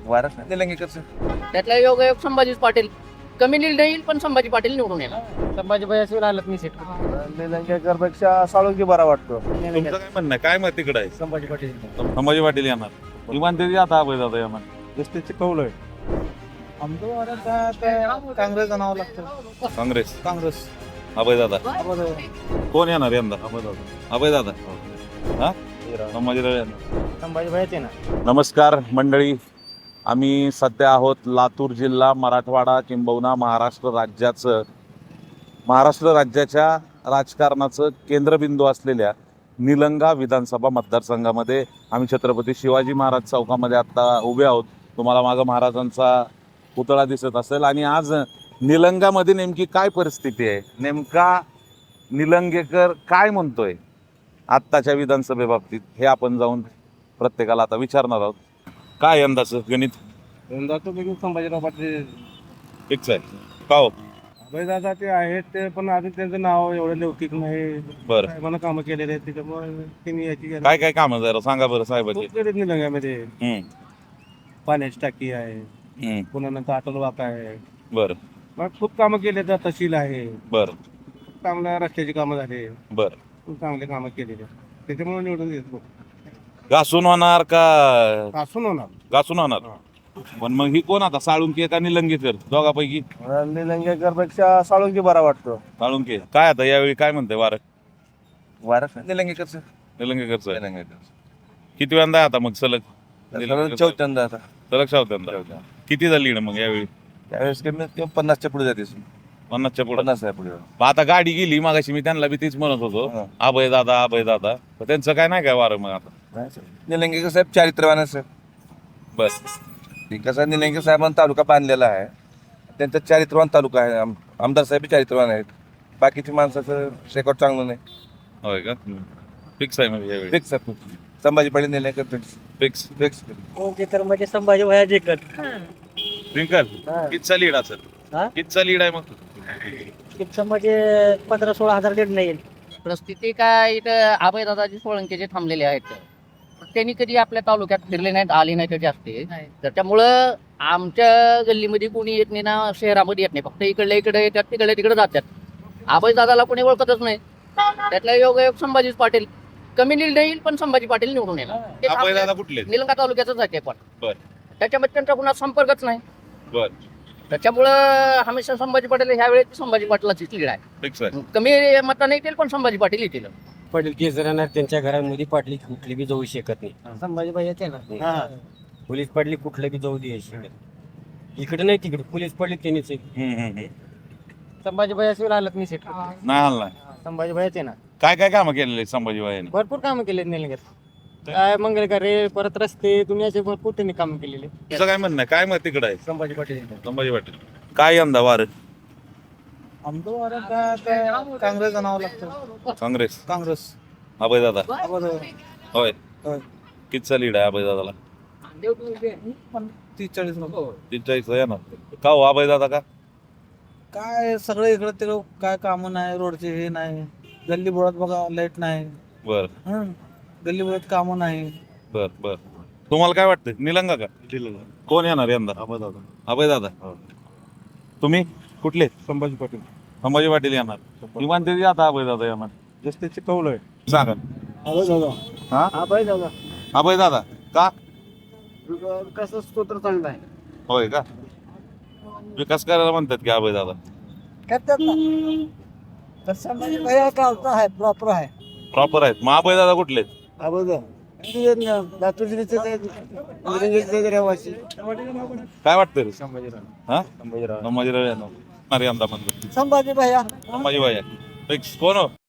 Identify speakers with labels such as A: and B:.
A: वारस निलंगेकर सर.
B: त्यातला योगायोग संभाजी पाटील कमी लीड येईल पण संभाजी पाटील निवडून येणार.
C: संभाजी भैया आलं मी सेट
A: निलंगेकर पेक्षा साळुंकी बरा वाटतो.
D: तुमचं काय म्हणणं आहे? काय मत तिकडे आहे?
C: संभाजी पाटील
D: संभाजी पाटील येणार इमान ते आता अभय दादा येणार.
A: एसटीचे कौल आहे. आमचं वारस काँग्रेस नाव लागतं.
D: काँग्रेस
A: काँग्रेस
D: अभय दादा कोण येणार यंदा? अभय दादा हा संभाजीराव येणार.
C: संभाजी भैयाचे ना.
D: नमस्कार मंडळी, आम्ही सध्या आहोत लातूर जिल्हा, मराठवाडा किंबहुना महाराष्ट्र राज्याच्या राजकारणाचं केंद्रबिंदू असलेल्या निलंगा विधानसभा मतदारसंघामध्ये आम्ही छत्रपती शिवाजी महाराज चौकामध्ये आत्ता उभे आहोत. तुम्हाला मागं महाराजांचा पुतळा दिसत असेल. आणि आज निलंगामध्ये नेमकी काय परिस्थिती आहे, नेमका निलंगेकर काय म्हणतोय आत्ताच्या विधानसभेबाबतीत, हे आपण जाऊन प्रत्येकाला आता विचारणार आहोत. काय यंदाचं गणित?
A: यंदा तो देखील संभाजीराव पाटील
D: फिक्स आहे का हो?
A: अभयदादा ते आहेत ते, पण अजून त्यांचं नाव एवढं लौकिक नाही.
D: बरं,
A: साहेबांना कामं केलेले आहेत त्याच्यामुळे त्यांनी याची
D: काय काय कामं जरा सांगा बरं साहेबाची.
A: खूप केलेत निलंग्यामध्ये.
D: हम्म,
A: पाण्याची टाकी आहे,
D: हम्म,
A: पुन्हा नंतर अटल वाका आहे.
D: बरं
A: मग खूप कामं केले, तहसील आहे,
D: बरं
A: चांगल्या रस्त्याची कामं झाली,
D: बरं.
A: खूप चांगले कामं केलेली आहेत. त्याच्यामुळे निवडून येतो.
D: घासून होणार का?
A: असून होणार
D: घासून होणार. पण मग ही कोण आता, साळुंके का निलंगेकर? दोघापैकी
A: निलंगेकर पेक्षा साळुंकी बरा वाटतो.
D: साळुंके. काय आता यावेळी काय म्हणते वारं?
A: वारस निलंगेकर सर.
D: निलंगेकरचं आहे.
A: निलंगेकर
D: किती वेळा आहे आता मग सलग?
A: चौथ्यांदा आता.
D: सलग शावत्यांदा. किती झाली ना मग यावेळी?
A: त्यावेळेस कमी 50च्या पुढे जाते.
D: 50च्या पुढे.
A: 50 आहे पुढे.
D: आता गाडी गेली मागाशी, मी त्यांना बी तीच म्हणत होतो,
A: हा.
D: अभय दादा. पण त्यांचं काय नाही काय वारं मग आता?
A: निलंगेकर साहेब चारित्र्यवान आहे सर.
D: बस.
A: कसं निलंगेकर साहेबांना तालुका बांधलेला आहे, त्यांचा चारित्र्यवान तालुका आहे. आमदार साहेब चारित्र्यवान आहेत. बाकीची माणसाचं रेकॉर्ड चांगलं नाही.
D: होय का? फिक्स आहे म्हणजे यावेळी?
A: फिक्स आहे. Sambhaji Patil Nilangekar fix
D: fix.
A: Fix.
C: Okay तर म्हणजे संभाजी भैया जिंकत.
D: ट्विंकल कितचा लीड असेल?
C: हा?
D: कितचा लीड आहे मग?
C: म्हणजे 15-16 हजार लीड नाही येईल.
B: परिस्थिती काय, इथं अभयदादाजी सोळंकेचे थांबलेले आहेत. त्यांनी कधी आपल्या तालुक्यात फिरले नाहीत, आले नाहीत जास्ती. त्याच्यामुळं आमच्या गल्लीमध्ये कोणी येत नाही ना, शहरामध्ये येत नाही. फक्त इकडे येतात, तिकडे जातात. अभयदादाला कोणी ओळखतच नाही. त्यातला योगायोग संभाजी पाटील कमी लीड येईल पण संभाजी पाटील निवडून येणार. ते
D: अभय दादा
B: आपल्या
D: कुठले?
B: निलंगा तालुक्यातच आहे ते पण.
D: बर
B: त्याच्यामध्ये त्यांचा कुणा संपर्कच नाही.
D: बर.
B: त्याच्यामुळं हमेशा संभाजी पाटील ह्यावेळेस संभाजी पाटलाचीच लीड आहे.
D: फिक्स आहे.
B: कमी मतांनी येतील पण संभाजी पाटील येतील.
C: पाटील केस राहणार त्यांच्या घरामध्ये, पाटली कुठली बी जाऊ शकत नाही. संभाजी भैया ते ना. पोलीस पाटली कुठलं बी जाऊ दे शकत. इकडे नाही तिकडे पोलीस पाटली त्यांनीच. संभाजी भैया आलं मी सेट
D: नाही हल्ला.
C: संभाजी भैयाचे ना.
D: काय काय कामं केलेले संभाजी भाईने?
C: भरपूर कामं केले निलंग्यात. काय मंगल कार्य, परत रस्ते, दुनियाचे भरपूर त्यांनी कामं केलेले.
D: तुझं काय म्हणणं आहे? काय मत तिकडे आहे?
C: संभाजी पाटील.
D: संभाजी पाटील. काय यंदा वारं?
A: आमचं वारस काँग्रेस नाव लागतं.
D: काँग्रेस.
A: काँग्रेस.
D: अभय दादा होय.
A: होय.
D: कितचा लीड आहे अभय दादाला?
A: 30-40 नको.
D: 43 येणार का हो? अभय दादा का?
A: काय सगळं इकडं तिकडं काय कामं नाही, रोडचे हे नाही, गल्ली बोळात बघा लाईट नाही.
D: बर
A: गल्ली बोळात कामं नाही.
D: बर बर. तुम्हाला काय वाटतं, निलंगा का? कोण येणार यंदा? अभय दादा. तुम्ही कुठले?
A: संभाजी पाटील.
D: संभाजी पाटील येणार इमान ते आता अभय दादा येणार.
A: जस्तीचे कौल आहे.
D: सांगा. हा अभय दादा का?
C: कसं स्तोत्र चांगला आहे.
D: होय का? विकास करायला म्हणतात की अभय दादा?
C: करतात ना. तर संभाजी भैया गावचा आहे, प्रॉपर आहे.
D: प्रॉपर आहेत. मग अभय दादा कुठले?
C: लातूर जिल्ह्याचे रहिवासी.
D: काय वाटतं रे?
A: संभाजीराव.
D: हा
A: संभाजीराव.
D: संभाजीराव येणार यंदा म्हणतो.
C: संभाजी भैया.
D: संभाजी भाई फिक्स. कोण हो?